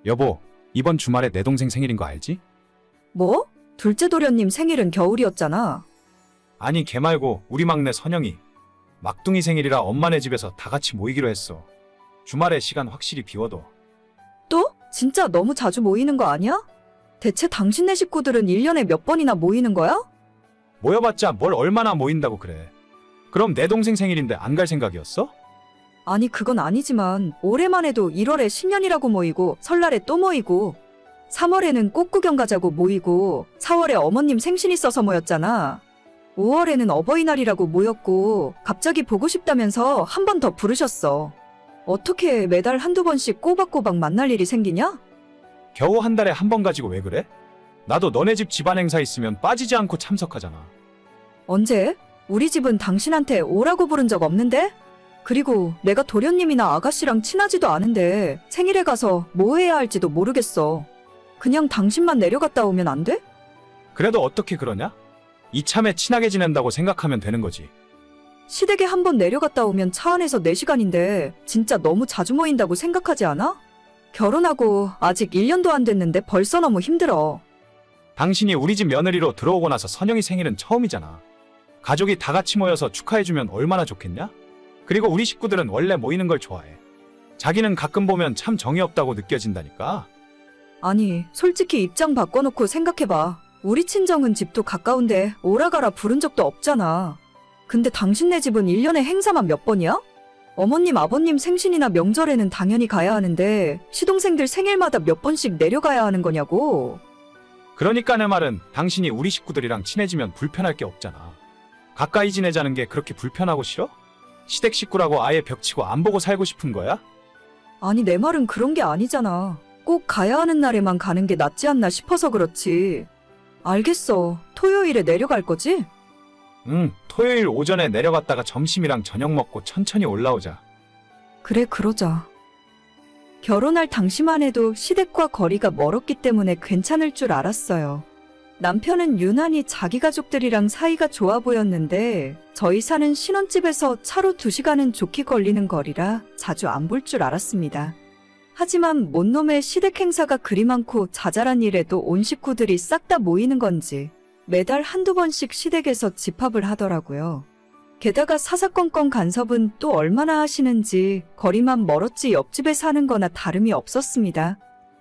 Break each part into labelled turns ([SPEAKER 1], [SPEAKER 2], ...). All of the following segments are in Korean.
[SPEAKER 1] 여보, 이번 주말에 내 동생 생일인 거 알지?
[SPEAKER 2] 뭐? 둘째 도련님 생일은 겨울이었잖아.
[SPEAKER 1] 아니, 걔 말고 우리 막내 선영이. 막둥이 생일이라 엄마네 집에서 다 같이 모이기로 했어. 주말에 시간 확실히 비워둬.
[SPEAKER 2] 또? 진짜 너무 자주 모이는 거 아니야? 대체 당신네 식구들은 1년에 몇 번이나 모이는 거야?
[SPEAKER 1] 모여봤자 뭘 얼마나 모인다고 그래. 그럼 내 동생 생일인데 안 갈 생각이었어?
[SPEAKER 2] 아니 그건 아니지만 올해만 해도 1월에 신년이라고 모이고 설날에 또 모이고 3월에는 꽃 구경 가자고 모이고 4월에 어머님 생신 있어서 모였잖아. 5월에는 어버이날이라고 모였고 갑자기 보고 싶다면서 한 번 더 부르셨어. 어떻게 매달 한두 번씩 꼬박꼬박 만날 일이 생기냐?
[SPEAKER 1] 겨우 한 달에 한 번 가지고 왜 그래? 나도 너네 집 집안 행사 있으면 빠지지 않고 참석하잖아.
[SPEAKER 2] 언제? 우리 집은 당신한테 오라고 부른 적 없는데? 그리고 내가 도련님이나 아가씨랑 친하지도 않은데 생일에 가서 뭐 해야 할지도 모르겠어. 그냥 당신만 내려갔다 오면 안 돼?
[SPEAKER 1] 그래도 어떻게 그러냐? 이참에 친하게 지낸다고 생각하면 되는 거지.
[SPEAKER 2] 시댁에 한 번 내려갔다 오면 차 안에서 4시간인데 진짜 너무 자주 모인다고 생각하지 않아? 결혼하고 아직 1년도 안 됐는데 벌써 너무 힘들어.
[SPEAKER 1] 당신이 우리 집 며느리로 들어오고 나서 선영이 생일은 처음이잖아. 가족이 다 같이 모여서 축하해주면 얼마나 좋겠냐? 그리고 우리 식구들은 원래 모이는 걸 좋아해. 자기는 가끔 보면 참 정이 없다고 느껴진다니까.
[SPEAKER 2] 아니, 솔직히 입장 바꿔놓고 생각해봐. 우리 친정은 집도 가까운데 오라가라 부른 적도 없잖아. 근데 당신네 집은 1년에 행사만 몇 번이야? 어머님, 아버님 생신이나 명절에는 당연히 가야 하는데 시동생들 생일마다 몇 번씩 내려가야 하는 거냐고.
[SPEAKER 1] 그러니까 내 말은 당신이 우리 식구들이랑 친해지면 불편할 게 없잖아. 가까이 지내자는 게 그렇게 불편하고 싫어? 시댁 식구라고 아예 벽치고 안 보고 살고 싶은 거야?
[SPEAKER 2] 아니, 내 말은 그런 게 아니잖아. 꼭 가야 하는 날에만 가는 게 낫지 않나 싶어서 그렇지. 알겠어. 토요일에 내려갈 거지?
[SPEAKER 1] 응, 토요일 오전에 내려갔다가 점심이랑 저녁 먹고 천천히 올라오자.
[SPEAKER 2] 그래, 그러자. 결혼할 당시만 해도 시댁과 거리가 멀었기 때문에 괜찮을 줄 알았어요. 남편은 유난히 자기 가족들이랑 사이가 좋아 보였는데 저희 사는 신혼집에서 차로 2시간은 좋게 걸리는 거리라 자주 안 볼 줄 알았습니다. 하지만 못놈의 시댁 행사가 그리 많고 자잘한 일에도 온 식구들이 싹 다 모이는 건지 매달 한두 번씩 시댁에서 집합을 하더라고요. 게다가 사사건건 간섭은 또 얼마나 하시는지 거리만 멀었지 옆집에 사는 거나 다름이 없었습니다.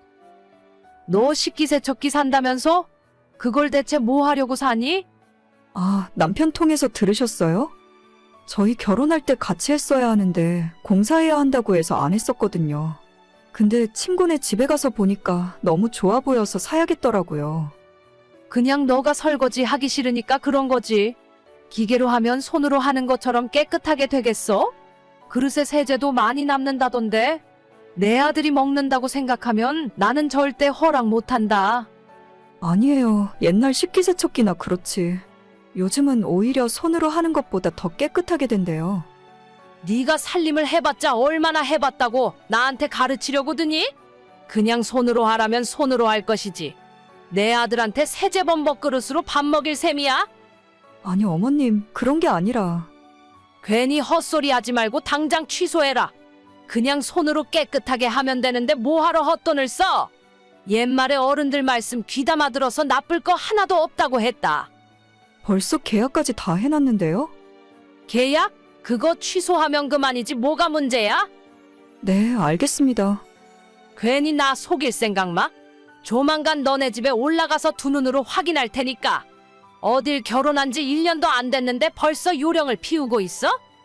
[SPEAKER 3] 너 식기세척기 산다면서? 그걸 대체 뭐 하려고 사니?
[SPEAKER 2] 아, 남편 통해서 들으셨어요? 저희 결혼할 때 같이 했어야 하는데 공사해야 한다고 해서 안 했었거든요. 근데 친구네 집에 가서 보니까 너무 좋아 보여서 사야겠더라고요.
[SPEAKER 3] 그냥 너가 설거지 하기 싫으니까 그런 거지. 기계로 하면 손으로 하는 것처럼 깨끗하게 되겠어? 그릇에 세제도 많이 남는다던데. 내 아들이 먹는다고 생각하면 나는 절대 허락 못한다.
[SPEAKER 2] 아니에요. 옛날 식기세척기나 그렇지. 요즘은 오히려 손으로 하는 것보다 더 깨끗하게 된대요.
[SPEAKER 3] 네가 살림을 해봤자 얼마나 해봤다고 나한테 가르치려고 드니? 그냥 손으로 하라면 손으로 할 것이지. 내 아들한테 세제범벅 그릇으로 밥 먹일 셈이야?
[SPEAKER 2] 아니, 어머님, 그런 게 아니라.
[SPEAKER 3] 괜히 헛소리 하지 말고 당장 취소해라. 그냥 손으로 깨끗하게 하면 되는데 뭐하러 헛돈을 써? 옛말에 어른들 말씀 귀담아 들어서 나쁠 거 하나도 없다고 했다.
[SPEAKER 2] 벌써 계약까지 다 해놨는데요?
[SPEAKER 3] 계약? 그거 취소하면 그만이지 뭐가 문제야?
[SPEAKER 2] 네, 알겠습니다.
[SPEAKER 3] 괜히 나 속일 생각 마. 조만간 너네 집에 올라가서 두 눈으로 확인할 테니까. 어딜 결혼한 지 1년도 안 됐는데 벌써 요령을 피우고 있어?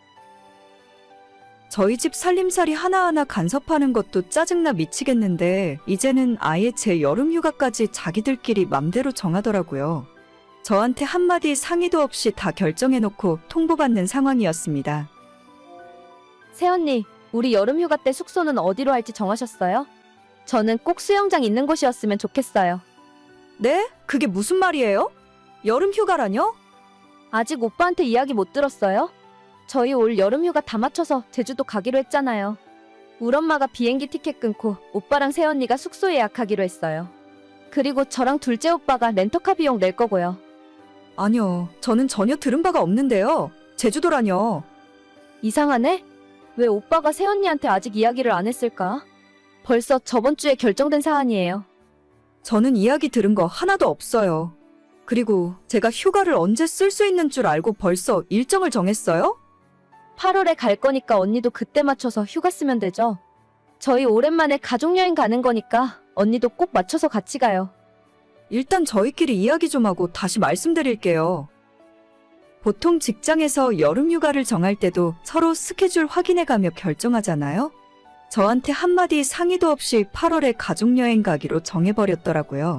[SPEAKER 2] 저희 집 살림살이 하나하나 간섭하는 것도 짜증나 미치겠는데 이제는 아예 제 여름 휴가까지 자기들끼리 맘대로 정하더라고요. 저한테 한마디 상의도 없이 다 결정해놓고 통보받는 상황이었습니다.
[SPEAKER 4] 새언니, 우리 여름 휴가 때 숙소는 어디로 할지 정하셨어요? 저는 꼭 수영장 있는 곳이었으면 좋겠어요.
[SPEAKER 2] 네? 그게 무슨 말이에요? 여름 휴가라뇨?
[SPEAKER 4] 아직 오빠한테 이야기 못 들었어요? 저희 올 여름 휴가 다 맞춰서 제주도 가기로 했잖아요. 우리 엄마가 비행기 티켓 끊고 오빠랑 새언니가 숙소 예약하기로 했어요. 그리고 저랑 둘째 오빠가 렌터카 비용 낼 거고요.
[SPEAKER 2] 아니요, 저는 전혀 들은 바가 없는데요. 제주도라뇨.
[SPEAKER 4] 이상하네? 왜 오빠가 새언니한테 아직 이야기를 안 했을까? 벌써 저번 주에 결정된 사안이에요.
[SPEAKER 2] 저는 이야기 들은 거 하나도 없어요. 그리고 제가 휴가를 언제 쓸 수 있는 줄 알고 벌써 일정을 정했어요?
[SPEAKER 4] 8월에 갈 거니까 언니도 그때 맞춰서 휴가 쓰면 되죠. 저희 오랜만에 가족여행 가는 거니까 언니도 꼭 맞춰서 같이 가요.
[SPEAKER 2] 일단 저희끼리 이야기 좀 하고 다시 말씀드릴게요. 보통 직장에서 여름 휴가를 정할 때도 서로 스케줄 확인해 가며 결정하잖아요? 저한테 한마디 상의도 없이 8월에 가족여행 가기로 정해버렸더라고요.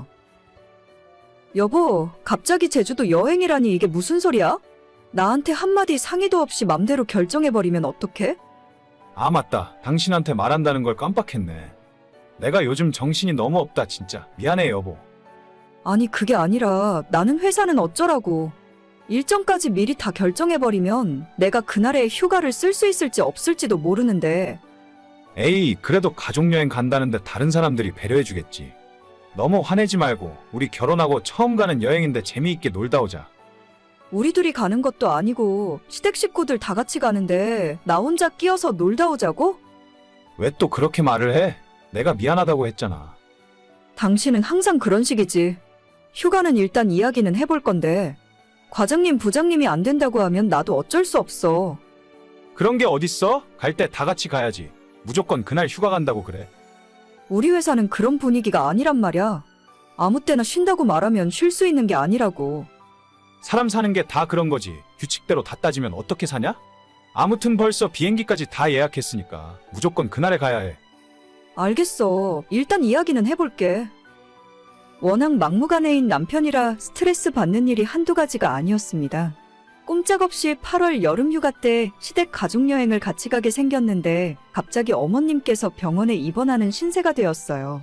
[SPEAKER 2] 여보, 갑자기 제주도 여행이라니 이게 무슨 소리야? 나한테 한마디 상의도 없이 맘대로 결정해버리면 어떡해?
[SPEAKER 1] 아, 맞다. 당신한테 말한다는 걸 깜빡했네. 내가 요즘 정신이 너무 없다, 진짜. 미안해, 여보.
[SPEAKER 2] 아니, 그게 아니라 나는 회사는 어쩌라고. 일정까지 미리 다 결정해버리면 내가 그날에 휴가를 쓸 수 있을지 없을지도 모르는데.
[SPEAKER 1] 에이, 그래도 가족여행 간다는데 다른 사람들이 배려해주겠지. 너무 화내지 말고 우리 결혼하고 처음 가는 여행인데 재미있게 놀다 오자.
[SPEAKER 2] 우리 둘이 가는 것도 아니고 시댁 식구들 다 같이 가는데 나 혼자 끼어서 놀다 오자고?
[SPEAKER 1] 왜 또 그렇게 말을 해? 내가 미안하다고 했잖아.
[SPEAKER 2] 당신은 항상 그런 식이지. 휴가는 일단 이야기는 해볼 건데 과장님, 부장님이 안 된다고 하면 나도 어쩔 수 없어.
[SPEAKER 1] 그런 게 어딨어? 갈 때 다 같이 가야지. 무조건 그날 휴가 간다고 그래.
[SPEAKER 2] 우리 회사는 그런 분위기가 아니란 말이야. 아무 때나 쉰다고 말하면 쉴 수 있는 게 아니라고.
[SPEAKER 1] 사람 사는 게 다 그런 거지. 규칙대로 다 따지면 어떻게 사냐? 아무튼 벌써 비행기까지 다 예약했으니까 무조건 그날에 가야 해.
[SPEAKER 2] 알겠어. 일단 이야기는 해볼게. 워낙 막무가내인 남편이라 스트레스 받는 일이 한두 가지가 아니었습니다. 꼼짝없이 8월 여름 휴가 때 시댁 가족여행을 같이 가게 생겼는데 갑자기 어머님께서 병원에 입원하는 신세가 되었어요.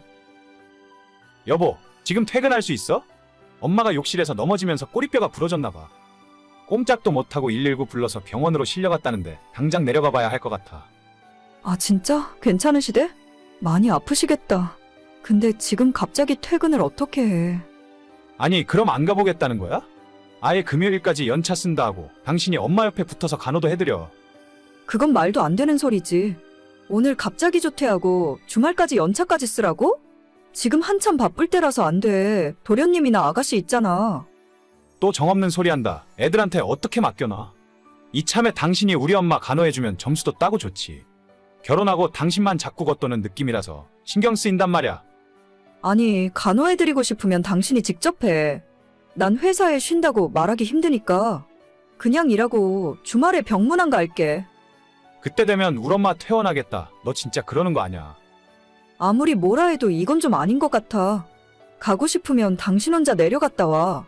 [SPEAKER 1] 여보, 지금 퇴근할 수 있어? 엄마가 욕실에서 넘어지면서 꼬리뼈가 부러졌나 봐. 꼼짝도 못하고 119 불러서 병원으로 실려갔다는데 당장 내려가 봐야 할 것 같아.
[SPEAKER 2] 아, 진짜? 괜찮으시대? 많이 아프시겠다. 근데 지금 갑자기 퇴근을 어떻게 해?
[SPEAKER 1] 아니, 그럼 안 가보겠다는 거야? 아예 금요일까지 연차 쓴다 하고 당신이 엄마 옆에 붙어서 간호도 해드려.
[SPEAKER 2] 그건 말도 안 되는 소리지. 오늘 갑자기 조퇴하고 주말까지 연차까지 쓰라고? 지금 한참 바쁠 때라서 안 돼. 도련님이나 아가씨 있잖아.
[SPEAKER 1] 또 정없는 소리 한다. 애들한테 어떻게 맡겨놔. 이참에 당신이 우리 엄마 간호해주면 점수도 따고 좋지. 결혼하고 당신만 자꾸 겉도는 느낌이라서 신경 쓰인단 말이야.
[SPEAKER 2] 아니, 간호해드리고 싶으면 당신이 직접 해. 난 회사에 쉰다고 말하기 힘드니까. 그냥 일하고 주말에 병문안 갈게.
[SPEAKER 1] 그때 되면 우리 엄마 퇴원하겠다. 너 진짜 그러는 거 아니야.
[SPEAKER 2] 아무리 뭐라 해도 이건 좀 아닌 것 같아. 가고 싶으면 당신 혼자 내려갔다 와.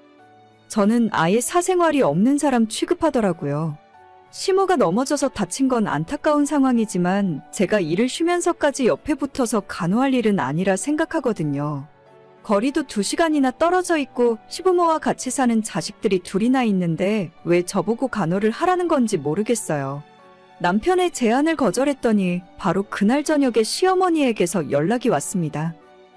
[SPEAKER 2] 저는 아예 사생활이 없는 사람 취급하더라고요. 시모가 넘어져서 다친 건 안타까운 상황이지만 제가 일을 쉬면서까지 옆에 붙어서 간호할 일은 아니라 생각하거든요. 거리도 2시간이나 떨어져 있고 시부모와 같이 사는 자식들이 둘이나 있는데 왜 저보고 간호를 하라는 건지 모르겠어요. 남편의 제안을 거절했더니 바로 그날 저녁에 시어머니에게서 연락이 왔습니다.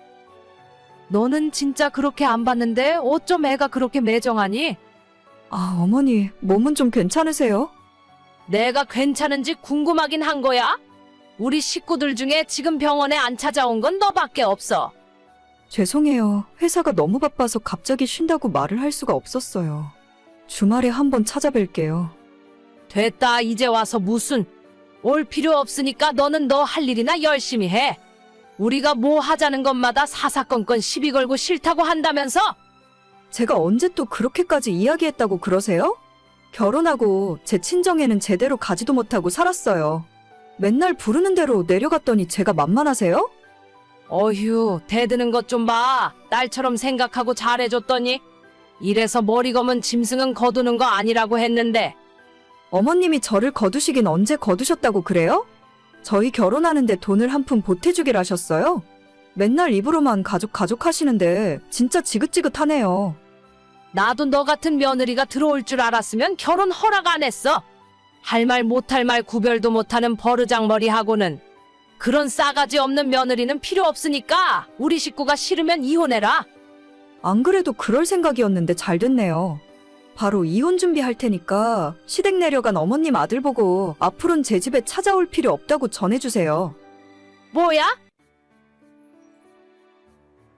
[SPEAKER 3] 너는 진짜 그렇게 안 봤는데 어쩜 애가 그렇게 매정하니?
[SPEAKER 2] 아, 어머니, 몸은 좀 괜찮으세요?
[SPEAKER 3] 내가 괜찮은지 궁금하긴 한 거야? 우리 식구들 중에 지금 병원에 안 찾아온 건 너밖에 없어.
[SPEAKER 2] 죄송해요. 회사가 너무 바빠서 갑자기 쉰다고 말을 할 수가 없었어요. 주말에 한번 찾아뵐게요.
[SPEAKER 3] 됐다, 이제 와서 무슨. 올 필요 없으니까 너는 너 할 일이나 열심히 해. 우리가 뭐 하자는 것마다 사사건건 시비 걸고 싫다고 한다면서?
[SPEAKER 2] 제가 언제 또 그렇게까지 이야기했다고 그러세요? 결혼하고 제 친정에는 제대로 가지도 못하고 살았어요. 맨날 부르는 대로 내려갔더니 제가 만만하세요?
[SPEAKER 3] 어휴, 대드는 것 좀 봐. 딸처럼 생각하고 잘해줬더니. 이래서 머리 검은 짐승은 거두는 거 아니라고 했는데.
[SPEAKER 2] 어머님이 저를 거두시긴 언제 거두셨다고 그래요? 저희 결혼하는데 돈을 한 푼 보태주길 하셨어요? 맨날 입으로만 가족 하시는데 진짜 지긋지긋하네요.
[SPEAKER 3] 나도 너 같은 며느리가 들어올 줄 알았으면 결혼 허락 안 했어. 할 말 못할 말 구별도 못하는 버르장머리하고는. 그런 싸가지 없는 며느리는 필요 없으니까 우리 식구가 싫으면 이혼해라.
[SPEAKER 2] 안 그래도 그럴 생각이었는데 잘 됐네요. 바로 이혼 준비할 테니까 시댁 내려간 어머님 아들 보고 앞으론 제 집에 찾아올 필요 없다고 전해주세요.
[SPEAKER 3] 뭐야?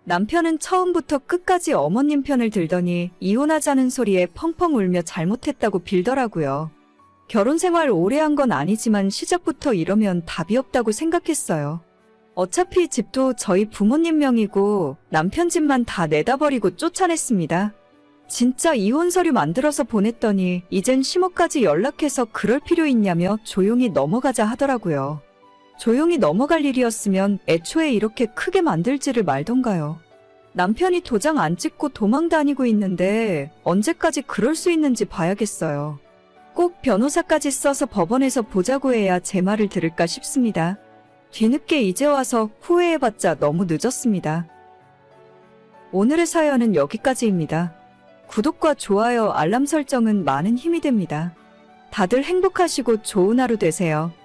[SPEAKER 2] 남편은 처음부터 끝까지 어머님 편을 들더니 이혼하자는 소리에 펑펑 울며 잘못했다고 빌더라고요. 결혼 생활 오래 한 건 아니지만 시작부터 이러면 답이 없다고 생각했어요. 어차피 집도 저희 부모님 명이고 남편 집만 다 내다버리고 쫓아냈습니다. 진짜 이혼 서류 만들어서 보냈더니 이젠 시모까지 연락해서 그럴 필요 있냐며 조용히 넘어가자 하더라고요. 조용히 넘어갈 일이었으면 애초에 이렇게 크게 만들지를 말던가요. 남편이 도장 안 찍고 도망 다니고 있는데 언제까지 그럴 수 있는지 봐야겠어요. 꼭 변호사까지 써서 법원에서 보자고 해야 제 말을 들을까 싶습니다. 뒤늦게 이제 와서 후회해봤자 너무 늦었습니다. 오늘의 사연은 여기까지입니다. 구독과 좋아요, 알람 설정은 많은 힘이 됩니다. 다들 행복하시고 좋은 하루 되세요.